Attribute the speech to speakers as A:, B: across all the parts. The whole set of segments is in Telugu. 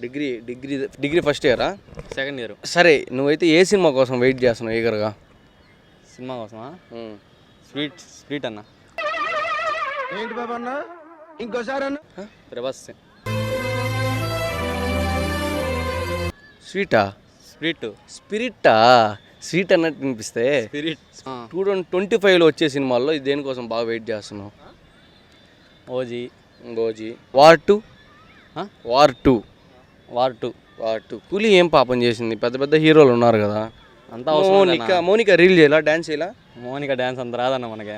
A: డిగ్రీ ఫస్ట్ ఇయరా?
B: Second year.
A: సరే, నువ్వైతే ఏ సినిమా కోసం వెయిట్ చేస్తున్నావు ఈగర్గా?
B: సినిమా కోసమా? స్వీట్ అన్న.
C: ఏంటి బాబా అన్న? ఇంకోసారి అన్న.
B: ప్రభాస్.
A: స్వీటా? స్పిరిట్టా? స్వీట్ అన్నట్టు వినిపిస్తే
B: స్పిరిట్.
A: 2025లో వచ్చే సినిమాల్లో ఇది దేనికోసం బాగా వెయిట్ చేస్తున్నావు?
B: ఓజీ.
A: War two. కూలీ ఏం పాపం చేసింది? పెద్ద పెద్ద హీరోలు ఉన్నారు కదా.
B: అంతా అవసరం.
A: మోనికా రీల్ చేయాలా, డాన్స్ చేయాలా?
B: మోనికా డాన్స్ అంత రాదన్న మనకి.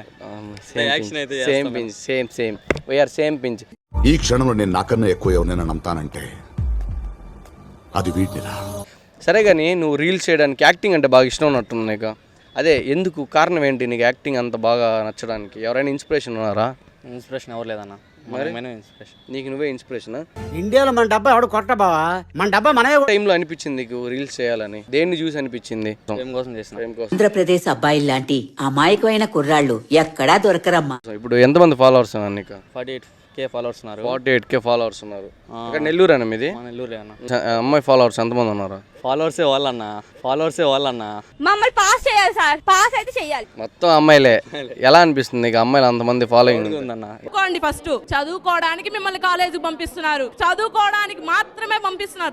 A: Same we are same pinch.
D: ఈ క్షణంలో నేను నాకన్నా ఎక్కువ ఎవరినైనా నమ్ముతానంటే అది వీటిరా.
A: సరే కానీ నువ్వు రీల్స్ చేయడానికి యాక్టింగ్ అంటే బాగా ఇష్టం ఉన్నట్టుంది నీకు. అదే ఎందుకు, కారణం ఏంటి నీకు యాక్టింగ్ అంత బాగా నచ్చడానికి? ఎవరైనా ఇన్స్పిరేషన్ ఉన్నారా?
B: ఇన్స్పిరేషన్ ఎవరు లేదన్న. ఇన్స్పిరేషన్
A: నీకు నువ్వే ఇన్స్పిరేషన్.
C: ఇండియాలో మన డబ్బా ఎవడు కొట్ట బావా, మన డబ్బా మనమే.
A: టైంలో అనిపించింది నీకు రీల్స్ చేయాలని? దేన్ని చూసి అనిపించింది?
B: ప్రేమ కోసం చేసిన.
E: ఆంధ్రప్రదేశ్ అబ్బాయిలు లాంటి అమాయకమైన కుర్రాళ్ళు ఎక్కడా దొరకరమ్మా.
A: ఇప్పుడు ఎంతమంది ఫాలోవర్స్ ఉన్నారు నీకు?
B: 48K ఫాలోవర్స్ ఉన్నారు.
A: 48K ఫాలోవర్స్ ఉన్నారు. ఇక్కడ నెల్లూరు అన్న మీది?
B: నెల్లూరు అన్న.
A: అమ్మాయి ఫాలోవర్స్ ఎంతమంది ఉన్నారు?
B: ఫాలోవర్సే వాళ్ళన్న.
F: మమ్మల్ని పాస్ చేయాలి సార్, పాస్ అయితే చేయాలి.
A: మొత్తం అమ్మాయిలే. ఎలా అనిపిస్తుంది నీకు అమ్మాయిలు అంతమంది ఫాలోయింగ్
B: ఉందన్న?
F: ఫస్ట్ చదువుకోవడానికి మిమ్మల్ని కాలేజీకి పంపిస్తున్నారు, చదువుకోవడానికి మాత్రమే పంపిస్తున్నారు.